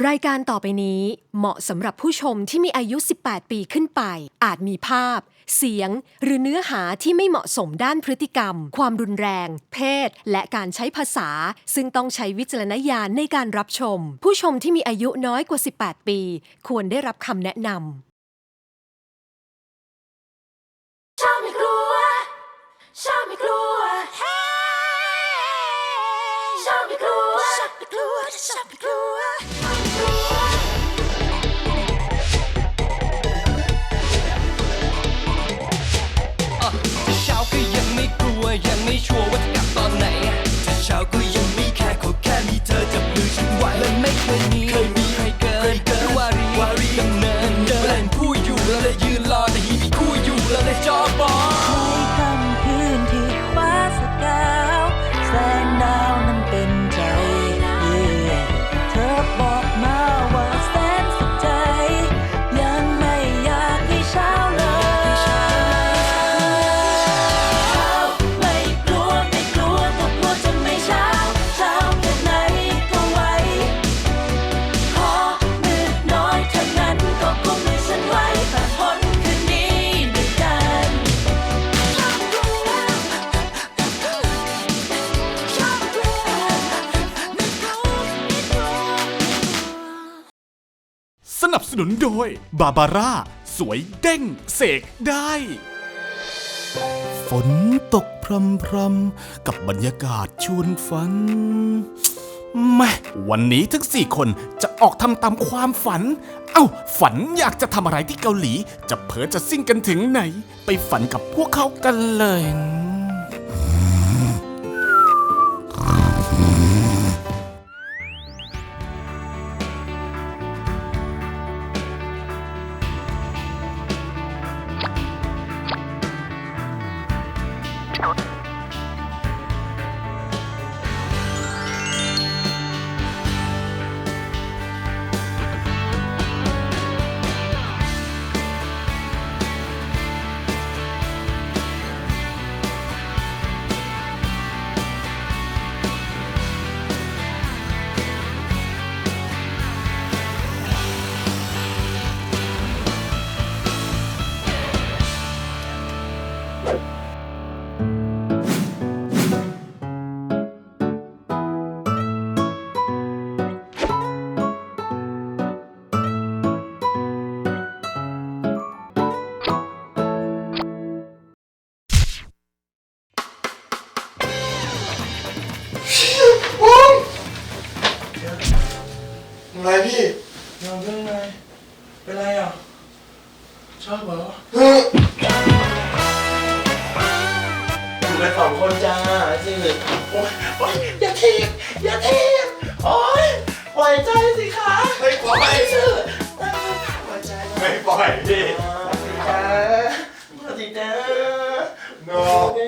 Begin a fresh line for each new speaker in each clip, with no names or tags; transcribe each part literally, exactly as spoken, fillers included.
รายการต่อไปนี้เหมาะสำหรับผู้ชมที่มีอายุ สิบแปด ปีขึ้นไปอาจมีภาพเสียงหรือเนื้อหาที่ไม่เหมาะสมด้านพฤติกรรมความรุนแรงเพศและการใช้ภาษาซึ่งต้องใช้วิจารณญาณในการรับชมผู้ชมที่มีอายุน้อยกว่า สิบแปด ปีควรได้รับคำแนะนำชอบไม่กลัวชอบไม่กลัวชอบไม่กลัวชอบไม่กลัวชอบไม่กลัว
เช้าก็ยังไม่กลัวยังไม่ชัวร์ว่าจะกลับตอนไหนแต่เช้าก็ยังไม่แค่ขอแค่มีเธอจับมือฉันไว้และไม่เคยมีเคยมีใครเกินเกินวารีวารีดำเนินเดินเล่นผู้อยู่แล้วเลยยืนรอแต่ฮีมีคู่อยู่แล้วเลยจอบอ
ในค่ำคืนที่ฟ้าสกาวแสงดาวนั้นเป็นใจเธอบอกมาว่าแสนสุขใจยังไม่อยากให้เช้าเลยไม่กลัวไม่กลัวก็กลัวจะไม่เช้าเช้าแค่ไหนก็ไหวขอมืดน้อยเท่านั้นก็คงไม่ฉันไว้ผ่านพ้นคืนนี้ด้วยกัน
สนับสนุนโดยบาบาร่าสวยเด้งเสกได้ฝนตกพรำพรำกับบรรยากาศชวนฝันแม่วันนี้ทั้งสี่คนจะออกทำตามความฝันเอ้าฝันอยากจะทำอะไรที่เกาหลีจะเผลอจะซิ่งกันถึงไหนไปฝันกับพวกเขากันเลย
ไงพี่
ยังเป็นไงเป็นไรอ่ะชอบเหรออยู่กันสองคนจ้าสิโอ๊ยโอ๊ยอย่าทีบอย่าทีบโอ๊ยปล่อยใจสิคะ
ไม่ปล่อย
ชื่อปล่อยใจ
ไม่ปล่อยพี่
จ้ามาสิจ้า
โน้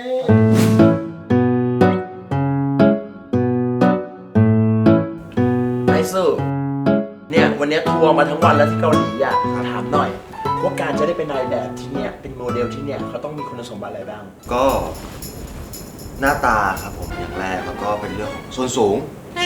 ไอซูเนี่ยวันนี้ทัวร์มาทั้งวันแล้วที่เกาหลีอ่ะถามหน่อยว่าการจะได้เป็นนายแบบที่เนี่ยเป็นโมเดลที่เนี่ยเขาต้องมีคุณสมบัติอะไรบ้าง
ก็หน้าตาครับผมอย่างแรกแล้วก็เป็นเรื่องของส่วนสูง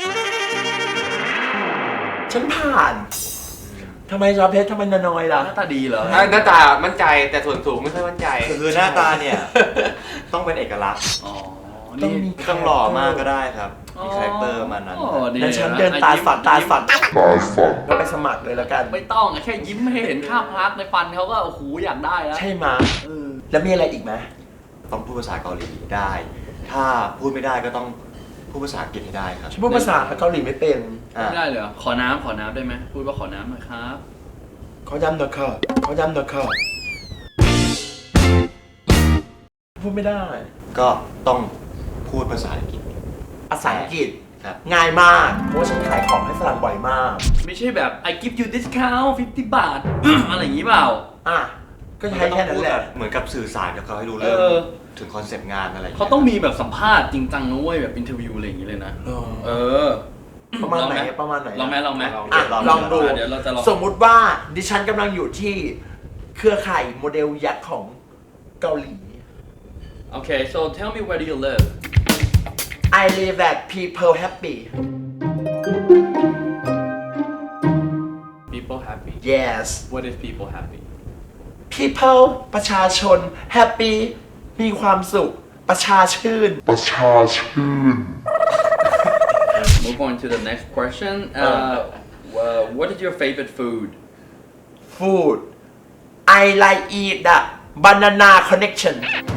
ฉันผ่านทำไมชอบเพชรทำไมน้อยล่ะ
หน้าตาดีเหรอหน้าตามั่นใจแต่ส่วนสูงไม่ค่อยมั่นใจ
คือหน้าตาเนี่ยต้องเป็นเอกลักษณ์
ต้องมี
ต้องหล่อมากก็ได้ครับมีคาแรคเตอร์มานั้น
นั้นฉันเดินตาฝันตาฝันตาฝันก็ไปสมัครเลยแล้วกัน
ไม่ต้องแค่ยิ้มให้เห็นข้ามพาร์ทในฟันเขาก็โอ้โหอยากได้แล้ว
ใช่ไหมแล้วมีอะไรอีกไหม
ต้องพูดภาษาเกาหลีได้ ถ้าพูดไม่ได้ก็ต้องพูดภาษาอังกฤษให้ได้ครับ
พูดภาษาเกาหลีไม่เป็น
ไม่ได้เลยขอน้ำขอน้ำได้ไหมพูดว่าขอน้ำหน่อยครับ
ขอย้ำหน่อยครับขอย้ำหน่อยครับพูดไม่ได้
ก็ต้องพูดภาษาอังกฤษ
ภาษาอังกฤษง่ายมากเพราะว่าฉันขายของให้ฝรั่งบ่อยมาก
ไม่ใช่แบบ I give you discount ห้าสิบบาท อะไรอย่างนี้เปล่า
อ่ะก็ใช้แค่นั้นแหละ
เหมือนกับสื่อสารกับเขาให้รู้เรื่องถึงคอนเซปต์งานอะไร
เขาต้องมีแบบสัมภาษณ์จริงจังนะเว้ยแบบอินเทอร์วิวอะไรอย่างนี้เลยนะเออ
ประมาณไหนประมาณไหน
ลองไหมลองไหม
ลองดูสมมุติว่าดิฉันกำลังอยู่ที่เครือข่ายโมเดลยักษ์ของเกาหลี
โอเค so tell me where do you live
I live at people happy
people happy
yes
what is people happy
people ประชาชน happy มีความสุข ประชาชื่น
move on to the next question uh, uh, what is your favorite food
food I like eat the banana connection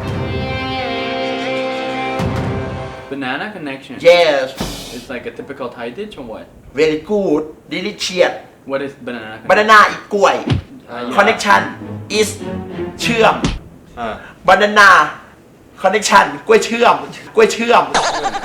banana connection
yes
it's like a typical Thai dish or what
very good delicious
what is banana connection
banana อีกกล้วย
อ่า
connection is เชื่อม
อ่า
banana connection กล้วยเชื่อม กล้วยเชื่อม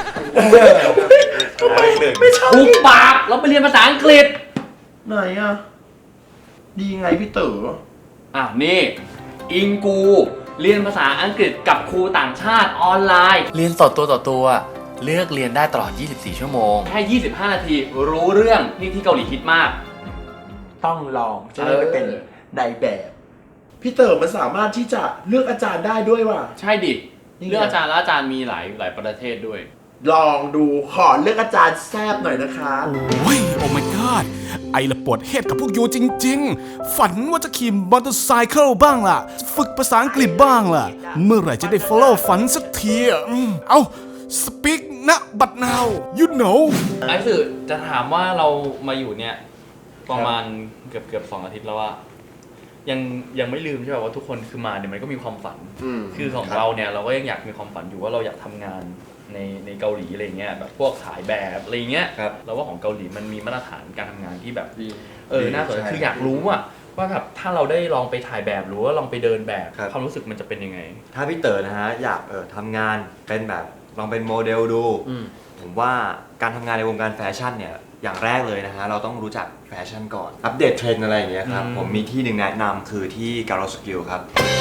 ทำไมไม่ชอบ
ถูกปากเราไปเรียนภาษาอังกฤษ
ไหนอ่ะ ดีไงพี่เต๋อ
อ่ะนี่อิงกูเรียนภาษาอังกฤษกับครูต่างชาติออนไลน์ เรียนต่อตัวต่อตัวเลือกเรียนได้ตลอดยี่สิบสี่ชั่วโมงแค่ยี่สิบห้านาทีรู้เรื่องนี่ที่เกาหลีฮิตมาก
ต้องลองจะได้ไปเป็นนายแบบ พี่เต๋อมันสามารถที่จะเลือกอาจารย์ได้ด้วยว่ะ
ใช่ดิ
นี่ไง
เลือกอาจารย์แล้วอาจารย์มีหลายหลายประเทศด้วย
ลองดูขอเลือกอาจารย์แซบหน่อยนะคะ
โอ้ย โอ้ my god ไอละปวดเฮดกับพวกยูจริงๆ ฝันว่าจะขี่มอเตอร์ไซค์บ้างล่ะ ฝึกภาษาอังกฤษบ้างล่ะ เมื่อไหร่จะได้ follow ฝันสักทีอ่ะอืมเอา speak นะ but now you know
ไอ้สื่อจะถามว่าเรามาอยู่เนี่ยประมาณเกือบเกือบสองอาทิตย์แล้วว่ายังยังไม่ลืมใช่ป่ะว่าทุกคนคือมาเนี่ยมันก็มีความฝัน คือของเราเนี่ยเราก็ยังอยากมีความฝันอยู่ว่าเราอยากทำงานในในเกาหลีอะไรเงี้ยแบบพวกถ่ายแบบอะไรเงี้ย
ครับ
เราว่าของเกาหลีมันมีมาตรฐานการทำงานที่แบบ
ดี
เออน่าสนใจ
ใช่
คืออยากรู้อะว่าแบบถ้าเราได้ลองไปถ่ายแบบหรือว่าลองไปเดินแบบ
ครับ
ความรู้สึกมันจะเป็นยังไง
ถ้าพี่เต๋อนะฮะอยากเออทำงานเป็นแบบลองเป็นโมเดลดู
อืม
ผมว่าการทำงานในวงการแฟชั่นเนี่ยอย่างแรกเลยนะฮะเราต้องรู้จักแฟชั่นก่อนอัปเดตเทรนด์อะไรอย่างเงี้ยครับ
อืม
ผมมีที่หนึ่งแนะนำคือที่ Garo Skill ครับ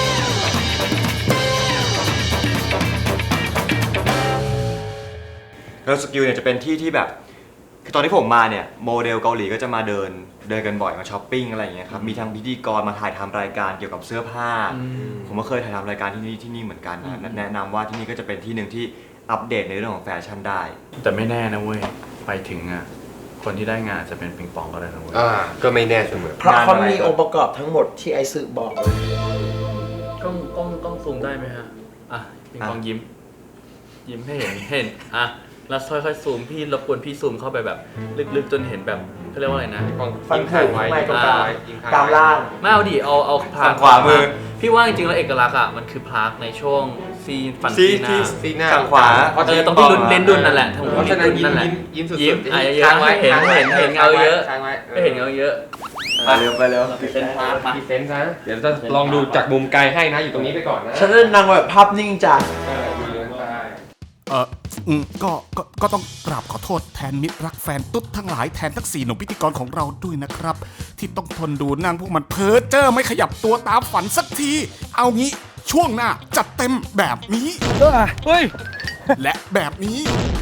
Garo Skill เนี่ยจะเป็นที่ที่แบบคือตอนที่ผมมาเนี่ยโมเดลเกาหลีก็จะมาเดินเดินกันบ่อยมาช้อปปิ้งอะไรอย่างเงี้ยครับมีทั้งพิธีกรมาถ่ายทำรายการเกี่ยวกับเสื้อผ้า ผมก็เคยถ่ายทำรายการที่นี่ที่นี่เหมือนกันนะแนะนำว่าที่นี่ก็จะเป็นที่หนึ่งที่อัปเดตในเรื่องของแฟชั่นได้
แต่ไม่แน่นะเว้ยไปถึงอะคนที่ได้งานจะเป็นปิงปองก็ได้นะเว้ย
อ่าก็ไม่แน่เสมอ
เพราะเขา
งานอะไร
มีองค์ประกอบทั้งหมดที่ไอซ์บอกเลย
กล้องกล้องกล้องซูมได้ไหมฮะ อ่ะปิงปองยิ้ม ยิ้มให้เห็นเห็น อ่ะ แล้วค่อยๆซูมพี่รบกวนพี่ซูมเข้าไปแบบลึกๆจนเห็นแบบเขาเรียกว่าอะไรนะ
ฟัน
ยิง
ผุ
ข้างไว้
ไม่
ยิง
ตรง
ข้าง
กลาง
ไว้ยิงข้าง
กลาง
ไว้
ล่าง
ไม่เอาดิ เอาเอาพลา
ฝั่งขวามือ
พี่ว่าจริงๆแล้วเอกลักษณ์อ่ะมันคือพลาร์กในช่วงซีนฟัน
ซี
ซีหน้า
ซีหน้า
ข้างขวา
เพราะ
เออตรงที่ลุ้นเลนดุนนั่นแหละตรง
เพราะ
ที่
ฉะนั้น
ลุ้น
ยิ้ม
นั่นแหละ
ยิ้มยิ้มสุดๆ
ยิ้มอ่ะเยอะ
ค้างไว้
เห็น
ค้างไว้
เห็นเห็นเงาเยอะ
ค้างไว้
ไม่เห็นเงาเยอะ
ไปเร็วไปเร็ว
เป็นพลาร์กมา
พรีเซนต์นะเดี๋ยวจะลองดูจากมุมไกลให้นะอยู่ตรงนี้ไปก่อนนะ
ฉันเล่นนางแบบภาพนิ่งจ้ะ
เออดูเลยได้
เอออืมก็ก็ ก็ต้องกราบขอโทษแทนมิตรรักแฟนตุ๊ดทั้งหลายแทนทั้งสี่หนุ่มพิธีกรของเราด้วยนะครับ ที่ต้องทนดูนั่งพวกมันเพ้อเจ้อไม่ขยับตัวตามฝันสักที เอางี้ช่วงหน้าจัดเต็มแบบนี้เฮ้ย และแบบนี้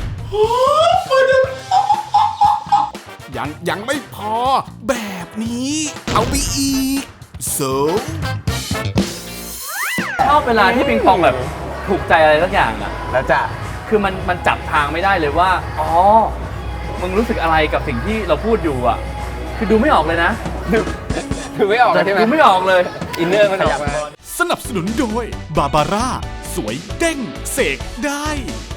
ยังยังไม่พอ แบบนี้ เอาไปอีก so
ชอบเวลาที่ปิงปองแบบถูกใจอะไรสักอย่างอ่ะ
แล้วจ้ะ
คือมันมันจับทางไม่ได้เลยว่า อ๋อ มึงรู้สึกอะไรกับสิ่งที่เราพูดอยู่อ่ะ คือดูไม่ออกเลยนะ
ดูไม่ออกเลยใช่ไหม
ดูไม่ออกเลย
อินเนอร์มันออกมา
สนับสนุนโดยบาบาร่าสวยเด้งเสกได้